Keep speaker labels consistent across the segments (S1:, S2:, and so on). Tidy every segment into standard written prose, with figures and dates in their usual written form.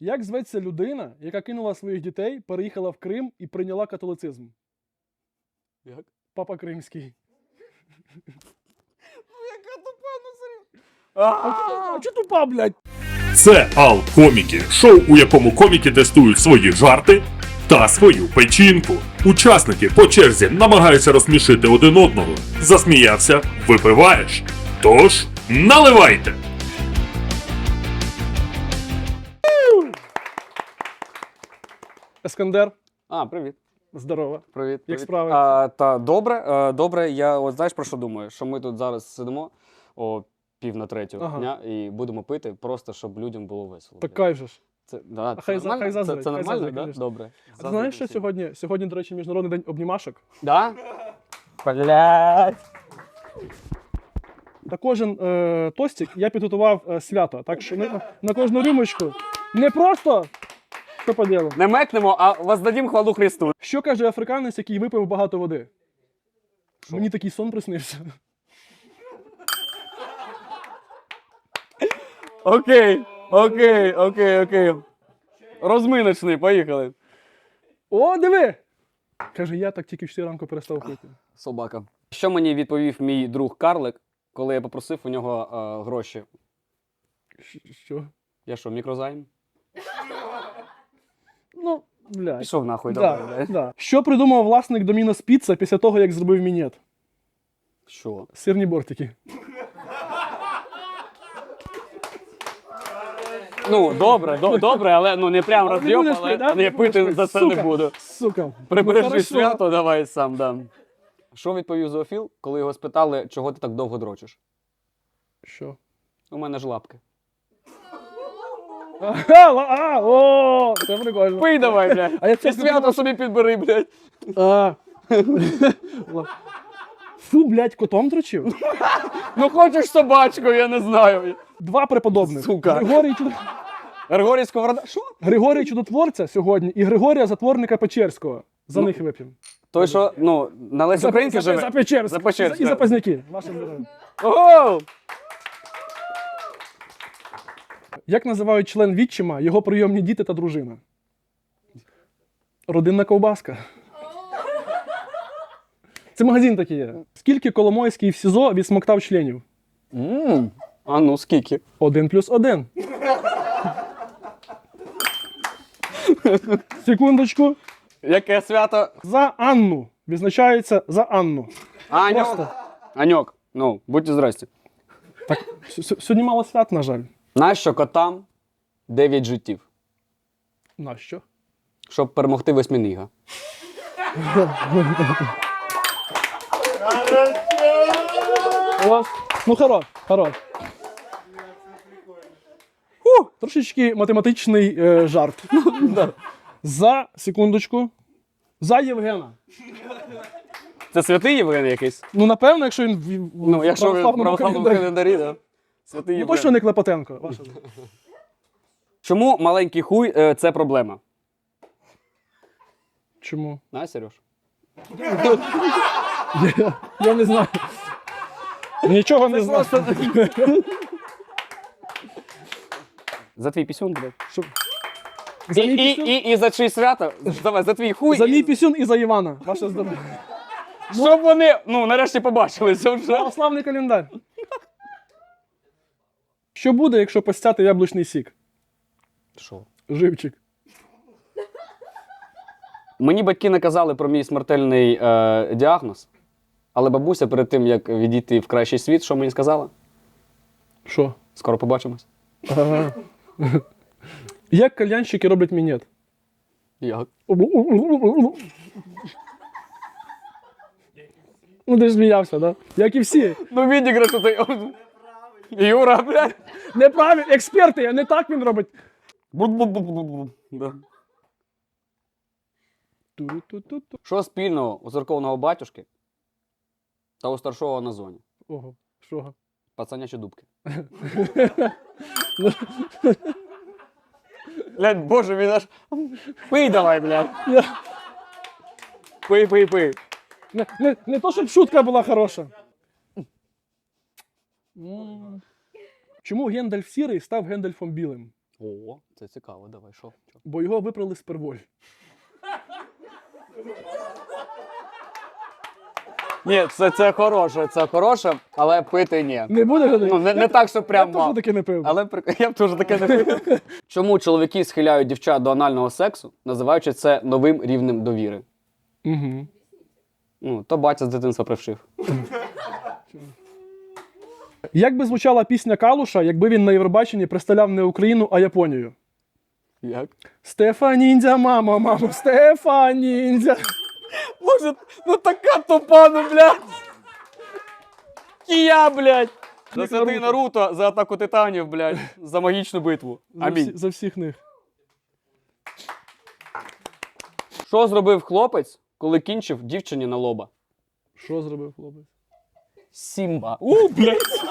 S1: Як зветься людина, яка кинула своїх дітей, переїхала в Крим і прийняла католицизм?
S2: Як?
S1: Папа Кримський.
S2: Яка тупа, ну серйозно.
S1: А чого тупа, блядь?
S3: Це Ал-Коміки, шоу, у якому коміки тестують свої жарти та свою печінку. Учасники по черзі намагаються розсмішити один одного. Засміявся – випиваєш. Тож, наливайте!
S1: Ескандер,
S2: Привіт.
S1: здорово.
S2: Привіт.
S1: Як справи?
S2: Та добре. Я от знаєш про що думаю? Що ми тут зараз сидимо о 2:45
S1: Ага.
S2: дня і будемо пити, просто щоб людям було весело.
S1: Так кайф же ж.
S2: Це, да,
S1: А хай
S2: нормально?
S1: заздрить,
S2: Це
S1: хай
S2: нормально,
S1: заздрить,
S2: да?
S1: конечно.
S2: Добре.
S1: А ти знаєш, що сьогодні? Сьогодні, до речі, Міжнародний день обнімашок.
S2: Да? Блядь.
S1: Та кожен тостик я підготував свято. Так що на кожну рюмочку не просто що по ділу.
S2: Не мекнемо, а воздадім хвалу Христу.
S1: Що каже африканець, який випив багато води?
S2: Що?
S1: Мені такий сон приснився.
S2: Окей. Розминочний, поїхали.
S1: О, диви! Каже, я так тільки в 4 ранку перестав пити.
S2: Собака. Що мені відповів мій друг Карлик, коли я попросив у нього гроші?
S1: Що?
S2: Я що, мікрозайм?
S1: Ну, блядь.
S2: Пішов нахуй, давай,
S1: Да,
S2: блядь.
S1: да. Що придумав власник Домінос Піцца після того, як зробив мінет?
S2: Що?
S1: Сирні бортики.
S2: Ну, добре, але ну не прям
S1: Але не
S2: роз'єб,
S1: будеш
S2: але
S1: пити, да?
S2: не пити за це
S1: Сука.
S2: не буду.
S1: Сука.
S2: Прибережи
S1: хорошо.
S2: свято, давай сам дам. Що відповів зоофіл, коли його спитали, чого ти так довго дрочиш?
S1: Що?
S2: У мене ж лапки.
S1: О, це прикольно.
S2: Пий давай, блядь.
S1: А я це
S2: І свято собі підбери, блядь.
S1: А. Фу, блядь, котом дрочив?
S2: Ну хочеш собачку, я не знаю.
S1: 2 преподобних.
S2: Сука. Григорій Сковорода. Що?
S1: Григорій Чудотворця сьогодні і Григорія Затворника Печерського. За
S2: Ну,
S1: них вип'ємо.
S2: Той, що, ну, на Лесі Українки живе.
S1: За Печерськ.
S2: За Печерськ,
S1: І за
S2: так.
S1: Позняки. Вашим здоров'ям.
S2: Ого!
S1: Як називають член відчима його прийомні діти та дружина? Родинна ковбаска. Це магазин такий є. Скільки Коломойський в СІЗО відсмоктав членів?
S2: А ну, скільки?
S1: 1+1. Секундочку.
S2: Яке свято?
S1: За Анну. Відзначається за Анну.
S2: Аньок.
S1: Просто.
S2: Аньок, ну, будьте здрасті.
S1: Так, сьогодні мало свят, на жаль.
S2: Нащо котам 9 життів?
S1: Нащо?
S2: Щоб перемогти восьминіга.
S1: Ось. Ну, хорош. Трошечки математичний жарт. За, секундочку. За Євгена.
S2: Це святий Євген якийсь?
S1: Ну, напевно, якщо він
S2: Ну, якщо ви в православному
S1: календарі.
S2: календарі, да. Святий
S1: Ну,
S2: Євген.
S1: точно не Клепотенко. Ваша.
S2: Чому маленький хуй це проблема?
S1: Чому?
S2: На, Сереж?
S1: Я не знаю. Нічого не знаю.
S2: За твій пісюн, блядь.
S1: Що? За мій пісюн?
S2: І за чий свято? Давай, за твій хуй.
S1: За мій пісюн і за Івана. Ваше здоров'я.
S2: Щоб вони, ну, нарешті побачилися вже.
S1: Православний календар. Що буде, якщо постяти яблучний сік?
S2: Що?
S1: Живчик.
S2: Мені батьки наказали про мій смертельний діагноз, але бабуся перед тим, як відійти в кращий світ, що мені сказала?
S1: Що?
S2: Скоро побачимось.
S1: Ага. Як кальянщики роблять мінет?
S2: Як?
S1: Ну, ти ж сміявся, да? Як і всі.
S2: Ну, відіграш тут. Юра, блядь.
S1: Неправильно, експерти, а не так він робить.
S2: Бу-бу-бу-бу-бу. Да.
S1: Ту-ру-ту-ту-ту.
S2: Що спільного у церковного батюшки та у старшого на зоні?
S1: Ого, що?
S2: Пацанячі дубки. Блядь, боже, він аж... Пий давай, блядь. Пий.
S1: Не то, щоб шутка була хороша. Чому Гендальф сірий став Гендальфом білим?
S2: О, це цікаво, давай, що?
S1: Бо його випрали з перволь.
S2: Ні, це хороше, але пити ні.
S1: Не буде?
S2: Ну, не так, що прям
S1: Я
S2: мав.
S1: теж таки не пив.
S2: Але я б теж таке не пив. Чому чоловіки схиляють дівчат до анального сексу, називаючи це новим рівнем довіри?
S1: Угу.
S2: Ну, то батя з дитинства прившив.
S1: Як би звучала пісня Калуша, якби він на Євробаченні представляв не Україну, а Японію?
S2: Як?
S1: Стефаніндзя, мамо, Стефаніндзя.
S2: Може, ну така тупа, ну, блядь. Кія, блядь. За святий Наруто, за атаку титанів, блядь, за магічну битву. Амінь.
S1: За всіх них.
S2: Що зробив хлопець, коли кінчив дівчині на лоба?
S1: Що зробив хлопець?
S2: Сімба. Блядь.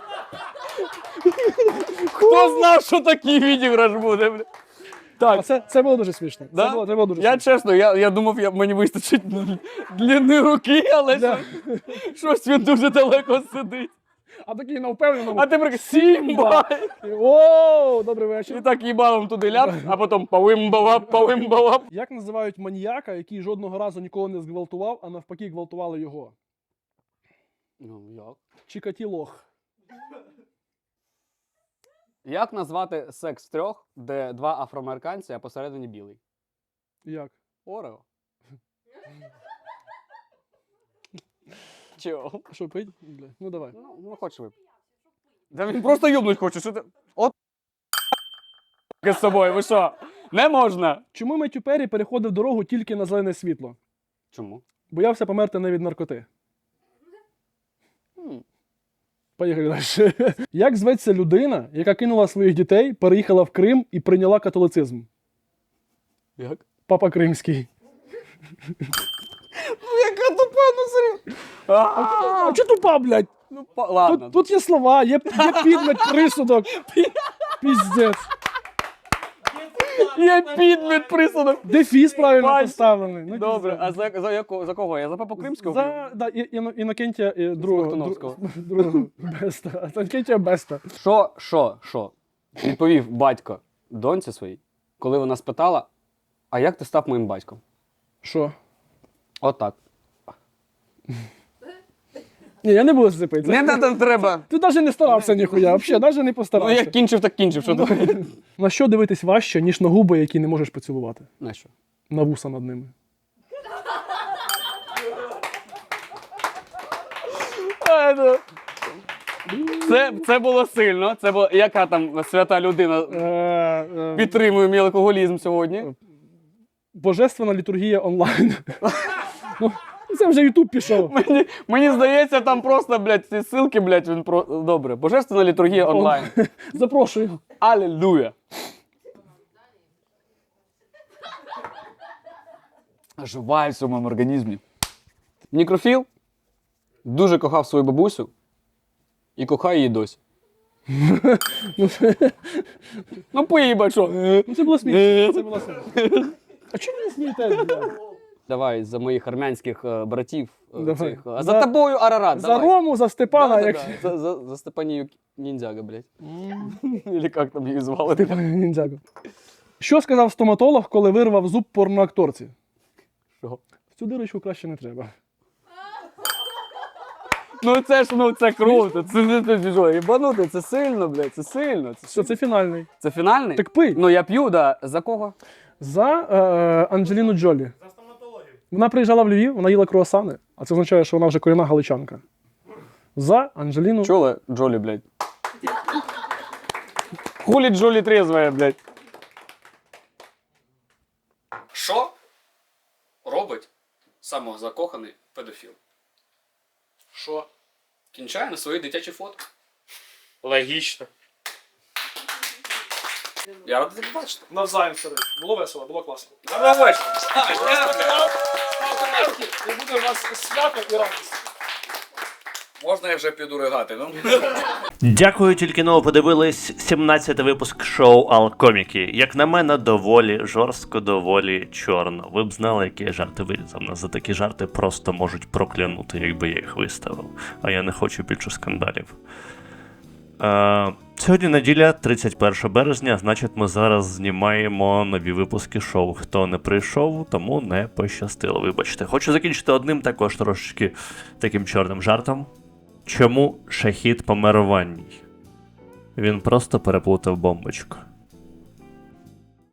S2: Хто знав, що такий відіграш буде, блядь?
S1: Так, це було дуже смішно.
S2: Да?
S1: Це було дуже
S2: Я
S1: смішно.
S2: чесно, я думав, мені вистачить длини руки, але
S1: Да.
S2: щось він дуже далеко сидить.
S1: А такий на впевненому.
S2: А ти прикинь, Сімба!
S1: О, добрий
S2: І
S1: вечір.
S2: так їбалом туди ляп, а потім павим-балап.
S1: Як називають маніяка, який жодного разу нікого не зґвалтував, а навпаки гвалтували його?
S2: Ну, як?
S1: Чикатілох.
S2: Як назвати секс в трьох, де два афроамериканці, а посередині білий?
S1: Як?
S2: Орео. Чого?
S1: Що пить? Бля, ну давай.
S2: Ну, хочеш випити. Да він просто юбнуть хоче, що ти... От з собою, ви що? Не можна.
S1: Чому Меттю Перрі переходив дорогу тільки на зелене світло?
S2: Чому?
S1: Боявся померти не від наркоти.
S2: Хм.
S1: Поїхали далі. Як зветься людина, яка кинула своїх дітей, переїхала в Крим і прийняла католицизм?
S2: Як?
S1: Папа Кримський.
S2: Яка тупа, ну серйозно.
S1: А чого тупа, блядь?
S2: Ну, ладно.
S1: Тут є слова, є підмет, присудок. Піздець.
S2: Є підмет присудок.
S1: Дефіс правильно
S2: Бать.
S1: поставлений. Ну,
S2: Добре,
S1: піздець.
S2: а за кого? Я за Папу Кримського?
S1: За да, Інокентія другого.
S2: Смоктуновського.
S1: Другого Беста. Інокентія Беста.
S2: Що? Відповів батько доньці своїй, коли вона спитала, а як ти став моїм батьком?
S1: Що?
S2: Отак.
S1: Ні, я не буду зацепитися.
S2: Не треба.
S1: Ти навіть не старався ніхуя, взагалі, навіть не
S2: Ну,
S1: постарався.
S2: як кінчив, так кінчив. Що ти?
S1: На що дивитись важче, ніж на губи, які не можеш поцілувати?
S2: На що?
S1: На вуса над ними.
S2: Це було сильно. Це було, яка там свята людина підтримує мій алкоголізм сьогодні?
S1: Божественна літургія онлайн. Ну, це вже Ютуб пішов.
S2: Мені здається, там просто, блядь, ці ссылки, блядь, він про... Добре. Божественна літургія онлайн.
S1: Запрошую.
S2: Алілуя. Оживає в своєму організмі. Нікрофіл дуже кохав свою бабусю і кохає її досі. Ну, поїбать, що?
S1: Ну, це було смішно. Це було смішно. А чому ви не смієтесь, блядь?
S2: Давай за моїх армянських братів.
S1: Давай.
S2: Цих. А за тобою Арарат,
S1: За
S2: давай.
S1: Рому, за Степана, як...
S2: За Степанію Ніндзяга, блядь. Или як там її звали?
S1: Ніндзяго. Що сказав стоматолог, коли вирвав зуб порноакторці?
S2: Що?
S1: В цю дирочку краще не треба.
S2: Ну це ж, ну це круто. Це що, їбанути, це сильно, блядь, це сильно.
S1: Що, це фінальний.
S2: Це фінальний?
S1: Так пий.
S2: Ну я п'ю, да. За кого?
S1: За Анджеліну Джолі. За стоматологію. Вона приїжджала в Львів, вона їла круасани, а це означає, що вона вже корінна галичанка. За Анджеліну...
S2: Чули? Джолі, блядь. Хулі Джолі трезвая, блядь. Що робить самозакоханий педофіл?
S1: Що?
S2: Кінчає на свої дитячі фото.
S4: Логічно.
S2: Я радий тебе бачити.
S1: Навзаєм, старий. Було весело, було класно.
S2: Доброго вечора.
S1: І буде у вас свято і радість.
S2: Можна я вже піду ригати, ну?
S4: Дякую, тільки но подивились 17-й випуск шоу Алкоміки. Як на мене, доволі жорстко, доволі чорно. Ви б знали, які я жарти вирізав. Нас за такі жарти просто можуть проклянути, якби я їх виставив. А я не хочу більше скандалів. Сьогодні неділя, 31 березня, значить ми зараз знімаємо нові випуски шоу. Хто не прийшов, тому не пощастило, вибачте. Хочу закінчити одним також трошечки таким чорним жартом. Чому Шахід помер у ванній? Він просто переплутав бомбочку.